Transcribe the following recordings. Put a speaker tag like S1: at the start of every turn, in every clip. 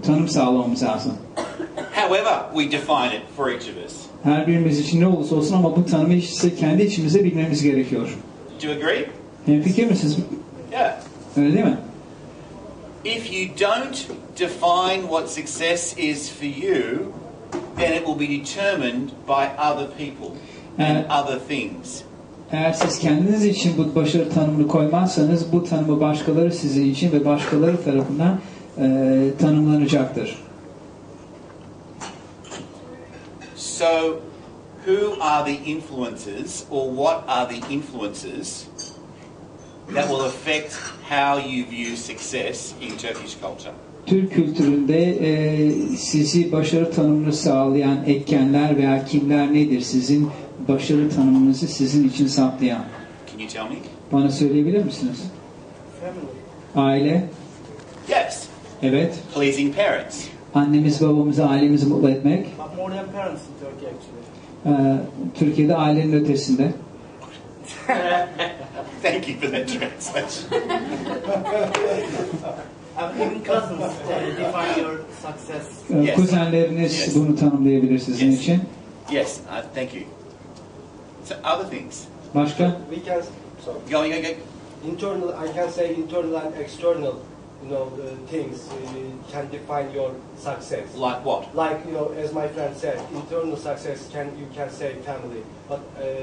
S1: tanım sağlamamız lazım.
S2: However we define it for each of us.
S1: Her birimiz için ne olursa olsun ama bu tanımı işte kendi içimizde bilmemiz gerekiyor.
S2: Do you agree?
S1: Hemfikir misiniz?
S2: Yeah.
S1: Öyle değil mi?
S2: If you don't define what success is for you, then it will be determined by other people and other things.
S1: Eğer siz kendiniz için bu başarı tanımını koymazsanız bu tanımı başkaları sizin için ve başkaları tarafından tanımlanacaktır.
S2: So, who are the influences, or what are the influences that will affect how you view success in Turkish culture?
S1: Türk kültüründe sizi başarı tanımını sağlayan etkenler veya kimler nedir? Sizin başarı tanımınızı sizin için saptayan.
S2: Can you tell me?
S1: Bana söyleyebilir misiniz? Aile.
S2: Yes.
S1: Evet.
S2: Pleasing parents.
S1: Annemiz, babamızı, ailemizi mutlu etmek.
S3: More than parents in Turkey actually.
S1: Türkiye'de ailenin ötesinde.
S2: Thank you for that translation.
S3: Even cousins define your success.
S2: Yes.
S1: Kuzenleriniz
S2: Yes.
S1: bunu tanımlayabilir sizin
S2: Yes.
S1: için.
S2: Yes, thank you. So, other things.
S1: Başka?
S4: We can, sorry.
S2: Go.
S4: Internal, I can say internal and external, things can define your success.
S2: Like what?
S4: Like, as my friend said, internal success you can say family, but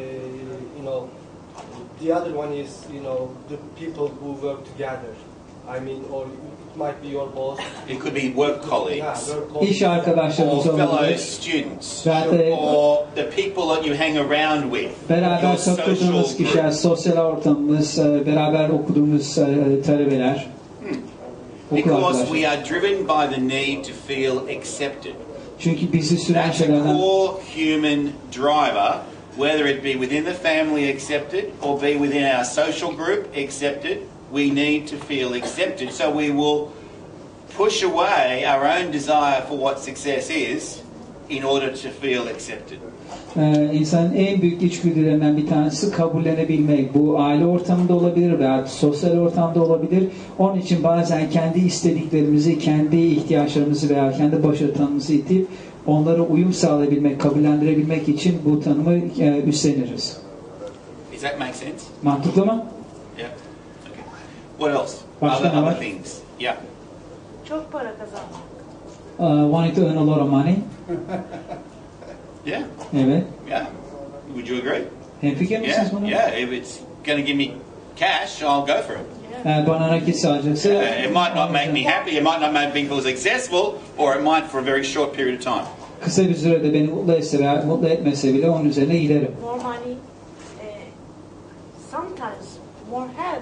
S4: the other one is, the people who work together. I mean, or it might be your boss.
S2: It could be work colleagues.
S4: Yeah, work colleagues.
S1: İş arkadaşlarımız
S2: Or fellow
S1: olabilir.
S2: students.
S1: Ve
S2: Or the people that you hang around with.
S1: beraber
S2: Your social
S1: takıldığımız kişiler,
S2: group.
S1: sosyal ortamımız, beraber okuduğumuz talebeler. Okul
S2: Because
S1: arkadaşlar.
S2: we are driven by the need to feel accepted.
S1: Çünkü bizi süren
S2: That's a
S1: şeylerden
S2: core human driver, whether it be within the family accepted or be within our social group accepted. We need to feel accepted. So we will push away our own desire for what success is in order to feel accepted.
S1: İnsanın en büyük içgüdülerinden bir tanesi kabullenebilmek. Bu aile ortamında olabilir veya sosyal ortamda olabilir. Onun için bazen kendi istediklerimizi, kendi ihtiyaçlarımızı veya kendi başarı tanımımızı itip onlara uyum sağlayabilmek, kabullendirebilmek için bu tanımı üstleniriz.
S2: Does that make sense?
S1: Mantıklı mı?
S2: Yeah. Okay. What else?
S1: Başka ne var?
S2: Other things. Yeah.
S5: Çok para kazanmak.
S1: Wanting to earn a lot of money.
S2: Yeah.
S1: Evet.
S2: Yeah. Would you agree?
S1: Hemfikir misiniz buna?
S2: Yeah. If it's going to give me cash, I'll go for it.
S1: Eğer bana nakit sağlayacaksa
S2: It might not make me happy, it might not make me feel successful, or it might for a very short period of time.
S1: kısa bir sürede beni mutlu etse veya mutlu etmese bile onun üzerine giderim.
S5: More money, sometimes more health.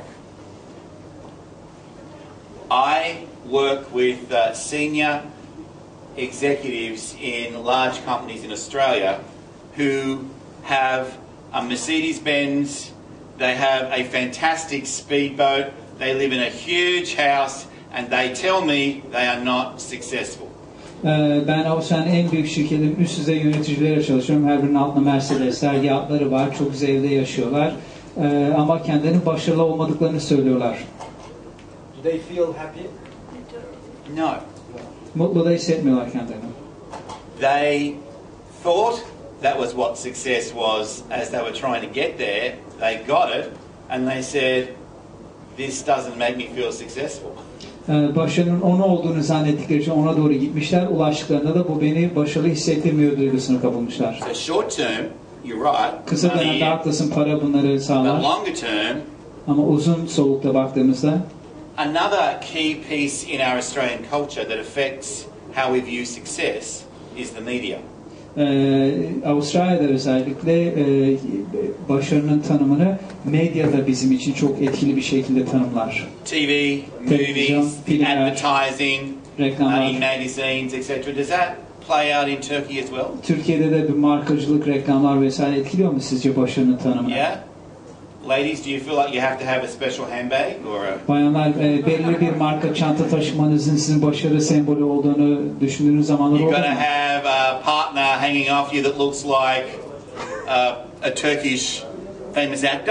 S2: I work with senior executives in large companies in Australia who have a Mercedes-Benz, they have a fantastic speedboat, they live in a huge house, and they tell me they are not successful.
S1: Ben Avustralya'nın en büyük şirketinin üst düzey yöneticileriyle çalışıyorum. Her birinin altında Mercedesler, yatları var, çok güzel evde yaşıyorlar. Ama kendilerinin başarılı olmadıklarını söylüyorlar.
S4: Do they feel happy?
S2: No.
S1: Mutlu da hissetmiyorlar kendilerini.
S2: They thought that was what success was as they were trying to get there. They got it, and they said, this doesn't make me feel successful.
S1: Başarının onu olduğunu zannettikleri için ona doğru gitmişler. Ulaştıklarında da bu beni başarılı hissettirmiyor duygusunu kapılmışlar.
S2: So short term, you're right.
S1: Kısa dönemde haklısın, para bunları
S2: But
S1: sağlar.
S2: longer term,
S1: Ama uzun solukta baktığımızda
S2: another key piece in our Australian culture that affects how we view success is the media.
S1: Avustralya'da özellikle başarının tanımını medyada bizim için çok etkili bir şekilde tanımlar.
S2: TV,
S1: Televizyon,
S2: movies,
S1: filmler,
S2: advertising,
S1: reklamlar.
S2: in magazines, etc. Does that play out in Turkey as well?
S1: Türkiye'de de bir markacılık, reklamlar vesaire etkiliyor mu sizce başarının tanımını?
S2: Yeah. Ladies, do you feel like you have to have a special handbag or a...
S1: Bayanlar belirli bir marka çanta taşımanızın sizin başarı sembolü olduğunu düşündüğünüz zamanlar
S2: You've
S1: oldu
S2: got
S1: mu?
S2: to have a partner hanging off you that looks like a Turkish famous actor?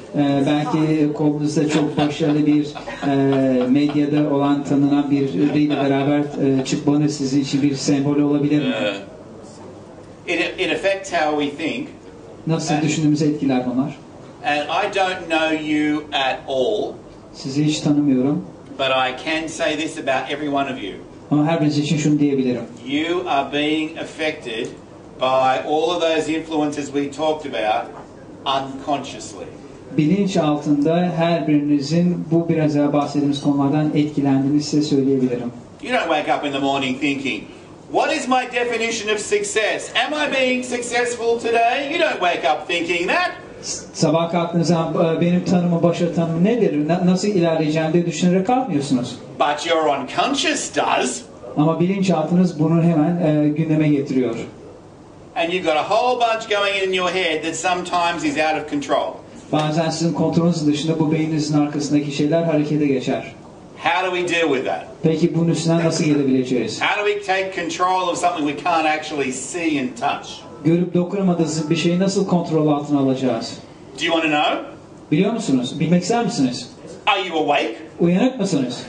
S1: Belki kolunuzda çok başarılı bir medyada olan tanınan biriyle beraber çıkmanız sizin için bir sembol olabilir mi?
S2: It affects how we think.
S1: Nasıl düşündüğümüzü etkiler bunlar.
S2: And I don't know you at all.
S1: Sizi hiç tanımıyorum.
S2: But I can say this about every one of you.
S1: Ama her biriniz için şunu diyebilirim.
S2: You are being affected by all of those influences we talked about unconsciously.
S1: Bilinç altında her birinizin bu biraz daha bahsettiğimiz konulardan etkilendiğini size söyleyebilirim.
S2: You don't wake up in the morning thinking, what is my definition of success? Am I being successful today? You don't wake up thinking that.
S1: Sabah kalktığınızda benim tanımım, başarı tanımım nedir? Nasıl ilerleyeceğim diye düşünerek kalkmıyorsunuz.
S2: But your unconscious does.
S1: Ama bilinçaltınız bunu hemen gündeme getiriyor.
S2: And you've got a whole bunch going in your head that sometimes is out of control.
S1: Bazen sizin kontrolünüz dışında bu beyninizin arkasındaki şeyler harekete geçer.
S2: How do we deal with that?
S1: Peki bunun üstünden nasıl gelebileceğiz?
S2: How do we take control of something we can't actually see and touch?
S1: Görüp dokunamadığınız bir şeyi nasıl kontrol altına alacağız?
S2: Do you want to know?
S1: Biliyor musunuz? Bilmek ister misiniz?
S2: Are you awake?
S1: Uyanık mısınız?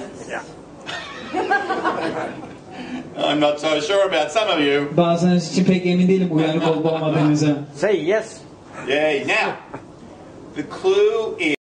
S2: I'm not so sure about some of you.
S1: Bazılarınız için pek emin değilim uyanık olup olmadığınıza.
S6: Say yes.
S2: Yeah. Now, the clue is